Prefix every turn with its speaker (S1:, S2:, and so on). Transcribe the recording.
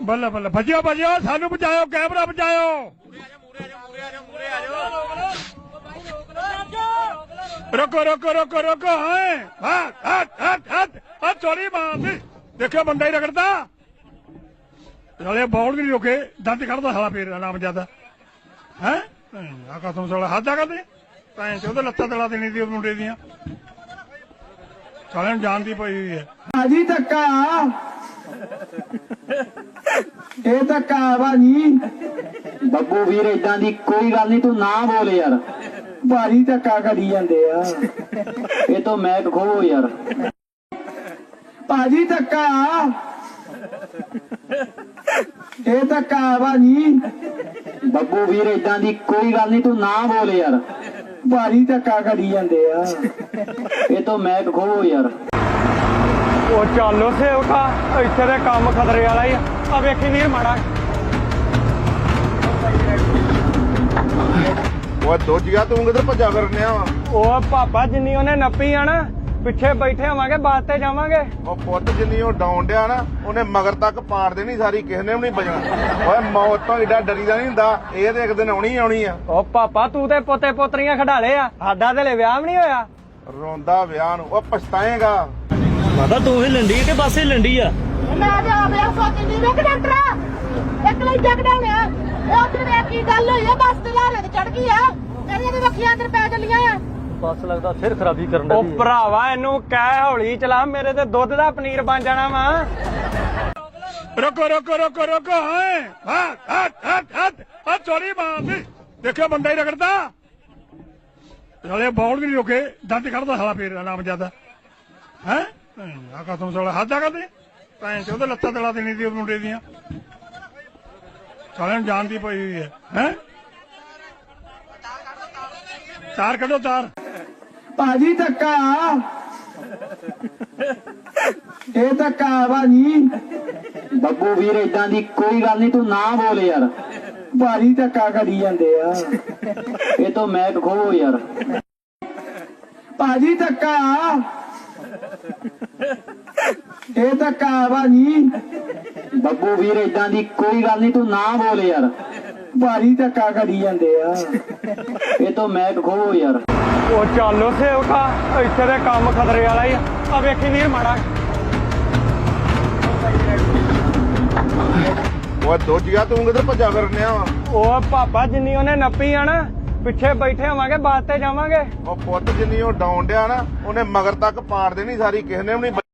S1: ਬੱਲੇ ਬੱਲੇ ਭੱਜਿਓ ਭੱਜਿਓ ਸਾਨੂੰ ਬਚਾਓ ਕੈਮਰਾ ਬਚਾਓ ਰੋਕੋ ਰੋਕੋ ਰੋਕੋ ਰੋਕੋ ਹਾਂ ਚੋਰੀ ਮਾਰਦੀ ਦੇਖਿਓ ਬੰਦਾ ਹੀ ਰਗੜਦਾ ਨਾਲੇ ਬੌਲ ਵੀ ਨਹੀਂ ਰੋਕੇ ਦੰਦ ਕੱਢਦਾ ਸਾਲਾ ਫੇਰ ਨਾਮ ਜਿਆਦਾ ਹੈ ਆ ਕਸਮ ਸਾਲਾ ਹੱਦ ਆ ਕਰਦੇ ਭੈਣ ਚ ਉਹਦੇ ਲੱਤਾਂ ਤਲਾ ਦੇਣੀ ਸੀ ਮੁੰਡੇ ਦੀਆਂ ਸਾਲਿਆਂ ਨੂੰ ਜਾਣ ਦੀ ਪਈ ਹੋਈ ਹੈ
S2: ਭਾਜੀ ਧੱਕਾ ਇਹ ਧੱਕਾ ਭਾਜੀ
S3: ਬੱਬੂ ਵੀਰ ਏਦਾਂ ਦੀ ਕੋਈ ਗੱਲ ਨਹੀਂ ਤੂੰ ਨਾ ਬੋਲ ਯਾਰ
S2: ਭਾਰੀ ਧੱਕਾ ਕਰੀ ਜਾਂਦੇ ਆ
S3: ਇਹ ਤੋਂ ਮੈਕ ਖੋਵੋ ਯਾਰ
S2: ਭਾਜੀ ਧੱਕਾ ਇਹ ਧੱਕਾ ਭਾਜੀ
S3: ਬੱਬੂ ਵੀਰ ਏਦਾਂ ਦੀ ਕੋਈ ਗੱਲ ਨਹੀਂ ਤੂੰ ਨਾ ਬੋਲ ਯਾਰ
S2: ਭਾਰੀ ਧੱਕਾ ਕਰੀ ਜਾਂਦੇ ਆ
S3: ਇਹ ਤੋਂ ਮੈਕ ਖੋਵੋ ਯਾਰ
S4: ਉਹ ਚੱਲੋ ਸੇਵਕਾ ਇੱਥੇ ਦੇ ਕੰਮ ਖਤਰੇ ਵਾਲਾ ਹੀ ਆ ਵੇਖੀ ਨਹੀਂ ਮਾੜਾ
S5: ਉਹ ਦੋਜੀਆ ਤੂੰ ਕਿੱਧਰ ਭੱਜਾ ਫਿਰਨਿਆ ਵਾ
S4: ਉਹ ਪਾਪਾ ਜਿੰਨੀ ਉਹਨੇ ਨੱਪੀ ਆ ਨਾ ਪਿੱਛੇ ਬੈਠੇ ਹੋਵਾਂਗੇ ਬਾਤ ਤੇ ਜਾਵਾਂਗੇ
S5: ਉਹ ਪੁੱਤ ਜਿੰਨੀ ਉਹ ਡਾਉਣ ਡਿਆ ਨਾ ਉਹਨੇ ਮਗਰ ਤੱਕ ਪਾੜ ਦੇਣੀ ਸਾਰੀ ਕਿਸੇ ਨੇ ਵੀ ਨਹੀਂ ਬਚਣਾ ਓਏ ਮੌਤ ਤੋਂ ਏਡਾ ਡਰੀਦਾ ਨਹੀਂ ਹੁੰਦਾ ਇਹ ਤੇ ਇੱਕ ਦਿਨ ਆਉਣੀ ਆਉਣੀ ਆ
S4: ਉਹ ਪਾਪਾ ਤੂੰ ਤੇ ਪੋਤੇ ਪੋਤਰੀਆਂ ਖਡਾਲੇ ਆ ਸਾਡਾ ਤੇ ਵਿਆਹ ਵੀ ਨਹੀਂ ਹੋਇਆ
S5: ਰੋਂਦਾ ਵਿਆਹ ਨੂੰ ਉਹ ਪਛਤਾਏਗਾ
S6: ਮਾਤਾ ਤੂੰ ਹੀ ਲੰਡੀ ਕਿ ਬਸ ਹੀ ਲੰਡੀ ਆ
S7: ਮੈਂ ਤੇ ਆ ਗਿਆ ਸੋਚਦੀ ਵੇਖ ਡਾਕਟਰ ਇੱਕ ਲਈ ਜੱਗ ਡਾਉਣਿਆ ਇਹ ਉਧਰ ਵੇਖ ਕੀ ਗੱਲ ਹੋਈ ਆ ਬੱਸ ਤੇ ਲਾਰੇ ਤੇ ਚੜ ਗਈ ਆ ਮੇਰੀਆਂ ਵੀ ਅੱਖੀਆਂ ਅੰਦਰ ਪੈ ਚੱਲੀਆਂ ਆ
S6: ਬਸ ਲੱਗਦਾ ਸਿਰ ਖਰਾਬੀ ਕਰਨ ਦਾ
S4: ਉਹ ਭਰਾਵਾ ਇਹਨੂੰ ਕਹਿ ਹੌਲੀ ਚਲਾ ਮੇਰੇ ਤੇ ਦੁੱਧ ਦਾ ਪਨੀਰ ਬਣ ਜਾਣਾ ਵਾ
S1: ਰੋਕੋ ਰੋਕੋ ਰੋਕੋ ਰੋਕੋ ਹਾਂ ਚੋਰੀ ਮਾਰਦੀ ਦੇਖਿਓ ਬੰਦਾ ਹੀ ਰਗੜਦਾ ਨਾਲੇ ਬੌਲ ਵੀ ਨਹੀਂ ਰੋਕੇ ਦੰਦ ਕੱਢਦਾ ਸਾਲਾ ਫੇਰ ਨਾਮ ਜਿਆਦਾ ਹੈ ਆ ਕਸਮ ਸਾਲਾ ਹੱਦ ਆ ਕਰਦੇ ਭੈਣ ਚ ਉਹਦੇ ਲੱਤਾਂ ਤਲਾ ਦੇਣੀ ਸੀ ਮੁੰਡੇ ਦੀਆਂ ਸਾਲਿਆਂ ਨੂੰ ਜਾਣ ਦੀ ਪਈ ਹੋਈ ਹੈ ਤਾਰ ਕੱਢੋ ਤਾਰ
S2: ਭਾਜੀ ਧੱਕਾ ਇਹ ਧੱਕਾ ਭਾਜੀ
S3: ਬੱਬੂ ਵੀਰ ਏਦਾਂ ਦੀ ਕੋਈ ਗੱਲ ਨਹੀਂ ਤੂੰ ਨਾ ਬੋਲ ਯਾਰ
S2: ਭਾਰੀ ਧੱਕਾ ਕਰੀ ਜਾਂਦੇ ਆ
S3: ਇਹ ਤੋਂ ਮੈਕ ਖੋਵੋ ਯਾਰ
S2: ਭਾਜੀ ਧੱਕਾ ਇਹ ਧੱਕਾ ਭਾਜੀ
S3: ਬੱਬੂ ਵੀਰ ਏਦਾਂ ਦੀ ਕੋਈ ਗੱਲ ਨਹੀਂ ਤੂੰ ਨਾ ਬੋਲ ਯਾਰ
S2: ਭਾਰੀ ਧੱਕਾ ਕਰੀ ਜਾਂਦੇ ਆ
S3: ਇਹ ਤੋਂ ਮੈਕ ਖੋਵੋ ਯਾਰ
S4: ਉਹ ਚੱਲੋ ਸੇਵਕਾ ਇੱਥੇ ਦੇ ਕੰਮ ਖਤਰੇ ਵਾਲਾ ਹੀ ਆ ਵੇਖੀ ਨਹੀਂ ਮਾੜਾ
S5: ਉਹ ਦੋਜੀਆ ਤੂੰ ਕਿੱਧਰ ਭੱਜਾ ਫਿਰਨਿਆ ਵਾ
S4: ਉਹ ਪਾਪਾ ਜਿੰਨੀ ਉਹਨੇ ਨੱਪੀ ਆ ਨਾ ਪਿੱਛੇ ਬੈਠੇ ਹੋਵਾਂਗੇ ਬਾਤ ਤੇ ਜਾਵਾਂਗੇ
S5: ਉਹ ਪੁੱਤ ਜਿੰਨੀ ਉਹ ਡਾਉਣ ਡਿਆ ਨਾ ਉਹਨੇ ਮਗਰ ਤੱਕ ਪਾੜ ਦੇਣੀ ਸਾਰੀ ਕਿਸੇ ਨੇ ਵੀ ਨਹੀਂ